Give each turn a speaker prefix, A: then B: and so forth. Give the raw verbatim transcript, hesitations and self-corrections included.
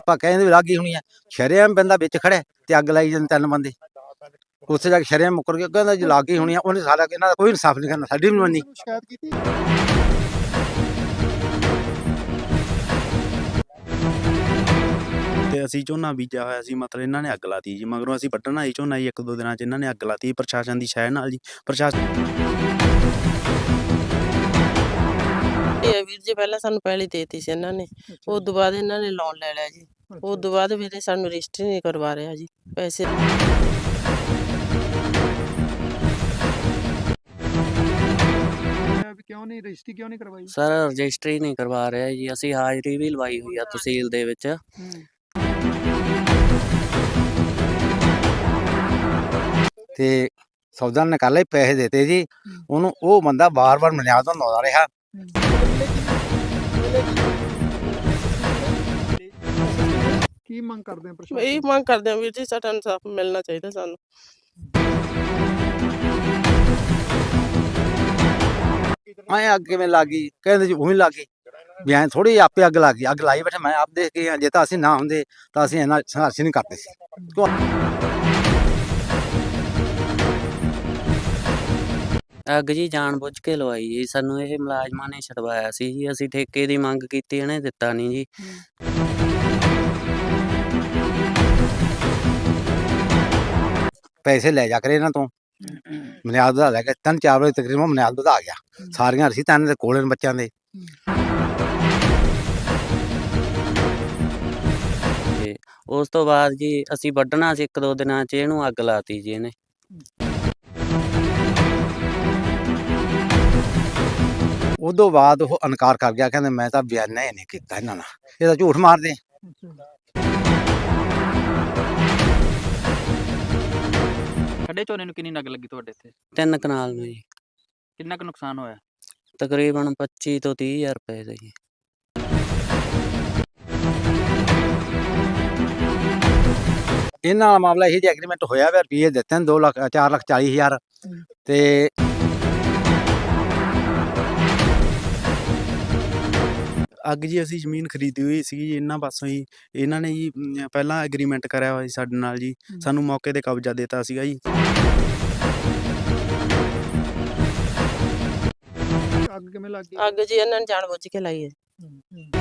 A: ਆਪਾਂ ਕਹਿੰਦੇ ਵੀ ਲੱਗ ਗਈ ਹੋਣੀ ਆ, ਸ਼ਰੇਆਮ ਬੰਦਾ ਵਿੱਚ ਖੜਿਆ ਤੇ ਅੱਗ ਲਾਈ ਜਾਂਦੇ ਤਿੰਨ ਬੰਦੇ। ਉੱਥੇ ਜਾ ਕੇ ਸ਼ਰੇਆਮ ਮੁੱਕਰ ਗਿਆ, ਕਹਿੰਦਾ ਜੀ ਲੱਗ ਗਈ ਹੋਣੀ ਆ। ਉਹਨੇ ਸਾਡਾ ਇਹਨਾਂ ਦਾ ਕੋਈ ਇਨਸਾਫ ਨਹੀਂ ਕਰਨਾ, ਸਾਡੀ ਵੀ ਨਹੀਂ ਮੰਨੀ।
B: ਸ਼ਿਕਾਇਤ ਕੀਤੀ
C: ਤੇ ਅਸੀਂ ਝੋਨਾ ਬੀਜਿਆ ਹੋਇਆ ਸੀ, ਮਤਲਬ ਇਹਨਾਂ ਨੇ ਅੱਗ ਲਾਤੀ ਜੀ। ਮਗਰੋਂ ਅਸੀਂ ਵੱਢਣ ਆਏ ਝੋਨਾ ਜੀ, ਇੱਕ ਦੋ ਦਿਨਾਂ 'ਚ ਇਹਨਾਂ ਨੇ ਅੱਗ ਲਾਤੀ ਪ੍ਰਸ਼ਾਸਨ ਦੀ ਸ਼ਹਿ ਨਾਲ ਜੀ। ਪ੍ਰਸ਼ਾਸਨ
D: ਇਹ ਵੀਰ ਜੀ ਪਹਿਲਾਂ ਸਾਨੂੰ ਪਹਿਲੀ ਦੇਤੀ ਸੀ ਇਹਨਾਂ ਨੇ, ਉਸ ਤੋਂ ਬਾਅਦ ਇਹਨਾਂ ਨੇ ਲੋਨ ਲੈ ਲਿਆ ਜੀ। ਉਸ ਤੋਂ ਬਾਅਦ ਫਿਰ ਸਾਨੂੰ ਰਜਿਸਟਰੀ ਨਹੀਂ ਕਰਵਾ ਰਿਹਾ ਜੀ ਪੈਸੇ।
B: ਵੀ ਕਿਉਂ ਨਹੀਂ ਰਜਿਸਟਰੀ ਕਿਉਂ ਨਹੀਂ ਕਰਵਾਈ?
E: ਸਰ ਰਜਿਸਟਰੀ ਨਹੀਂ ਕਰਵਾ ਰਿਹਾ ਜੀ, ਅਸੀਂ ਹਾਜ਼ਰੀ ਵੀ ਲਵਾਈ ਹੋਈ ਆ ਤਹਿਸੀਲ ਦੇ ਵਿੱਚ।
A: ਤੇ ਸੌਦਾ ਨੇ ਕਰ ਲਏ, ਪੈਸੇ ਦੇਤੇ ਜੀ ਉਹਨੂੰ। ਉਹ ਬੰਦਾ ਬਾਰ-ਬਾਰ ਮਨਿਆਦ ਤੋਂ ਆਉਂਦਾ ਰਿਹਾ।
B: ਕੀ ਮੰਗ ਕਰਦੇ ਆ ਪ੍ਰਸ਼ਾਸਨ?
D: ਇਹ ਮੰਗ ਕਰਦੇ ਆ ਵੀਰ ਜੀ, ਸਾਡਾ ਇਨਸਾਫ ਮਿਲਣਾ ਚਾਹੀਦਾ ਸਾਨੂੰ।
A: ਐਂ ਅੱਗ ਕਿਵੇਂ ਲੱਗ ਗਈ? ਕਹਿੰਦੇ ਜੀ ਉਹੀ ਲੱਗ ਗਈ ਵੀ ਐਂ ਥੋੜੀ ਆਪੇ ਅੱਗ ਲੱਗ ਗਈ। ਅੱਗ ਲਾਈ ਬੈਠੇ, ਮੈਂ ਆਪ ਦੇਖ ਕੇ ਜੇ ਤਾਂ ਅਸੀਂ ਨਾ ਹੁੰਦੇ ਤਾਂ ਅਸੀਂ ਇੰਨਾ ਸੰਘਰਸ਼ ਨਹੀਂ ਕਰਦੇ ਸੀ।
E: ਅੱਗ ਜੀ ਜਾਣ ਬੁੱਝ ਕੇ ਲਵਾਈ ਜੀ, ਸਾਨੂੰ ਇਹ ਮੁਲਾਜ਼ਮਾਂ ਨੇ ਛਡਵਾਇਆ ਸੀ ਜੀ। ਅਸੀਂ ਠੇਕੇ ਦੀ ਮੰਗ ਕੀਤੀ, ਇਹਨੇ ਦਿੱਤਾ ਨਹੀਂ ਜੀ।
A: ਪੈਸੇ ਲੈ ਜਾ ਕਰੇ ਇਹਨਾਂ ਤੋਂ, ਮਨਿਆਦ ਵਧਾ ਲੈ ਕੇ ਤਿੰਨ ਚਾਰ ਵਜੇ ਤਕਰੀਬਨ ਮਨਿਆਦ ਵਧਾ ਗਿਆ। ਸਾਰੀਆਂ ਅਸੀਂ ਤਿੰਨ ਦੇ ਕੋਲੇ ਬੱਚਿਆਂ ਦੇ।
E: ਤੇ ਉਸ ਤੋਂ ਬਾਅਦ ਜੀ ਅਸੀਂ ਵੱਢਣਾ ਸੀ, ਇੱਕ ਦੋ ਦਿਨਾਂ 'ਚ ਇਹਨੂੰ ਅੱਗ ਲਾਤੀ ਜੀ ਇਹਨੇ।
A: ਉਦੋਂ ਬਾਅਦ ਉਹ ਇਨਕਾਰ ਕਰ ਗਿਆ, ਕਹਿੰਦੇ ਮੈਂ ਤਾਂ ਬਿਆਨਾ ਹੀ ਨਹੀਂ ਕੀਤਾ ਇਹਨਾਂ ਨਾਲ, ਇਹ ਤਾਂ ਝੂਠ ਮਾਰਦੇ।
F: ਖੱਡੇ ਝੋਨੇ ਨੂੰ ਕਿੰਨੀ ਅੱਗ ਲੱਗੀ ਤੁਹਾਡੇ ਇੱਥੇ?
E: ਤਿੰਨ ਕਨਾਲ ਨੂੰ ਜੀ।
F: ਕਿੰਨਾ ਕੁ ਨੁਕਸਾਨ ਹੋਇਆ?
E: ਤਕਰੀਬਨ ਪੱਚੀ ਤੋਂ ਤੀਹ ਹਜ਼ਾਰ ਰੁਪਏ ਦਾ ਜੀ।
A: ਇਹਨਾਂ ਨਾਲ ਮਾਮਲਾ ਇਹ ਜੀ ਐਗਰੀਮੈਂਟ ਹੋਇਆ ਵਾ, ਰੁਪਈਏ ਦਿੱਤੇ ਨੇ ਦੋ ਲੱਖ ਚਾਰ ਲੱਖ ਚਾਲੀ ਹਜ਼ਾਰ। ਤੇ
C: ਅੱਗ ਜੀ ਅਸੀਂ ਜ਼ਮੀਨ ਖਰੀਦੀ ਹੋਈ ਸੀਗੀ ਜੀ ਇਹਨਾਂ ਪਾਸੋਂ ਜੀ। ਇਹਨਾਂ ਨੇ ਜੀ ਅਮ, ਪਹਿਲਾਂ ਐਗਰੀਮੈਂਟ ਕਰਿਆ ਹੋਇਆ ਸੀ ਸਾਡੇ ਨਾਲ ਜੀ, ਸਾਨੂੰ ਮੌਕੇ 'ਤੇ ਕਬਜ਼ਾ ਦਿੱਤਾ ਸੀਗਾ ਜੀ।
B: ਅੱਗ ਕਿਵੇਂ ਲੱਗ ਗਈ?
D: ਅੱਗ ਜੀ ਇਹਨਾਂ ਨੇ ਜਾਣ ਬੁੱਝ ਕੇ ਲਾਈ ਹੈ।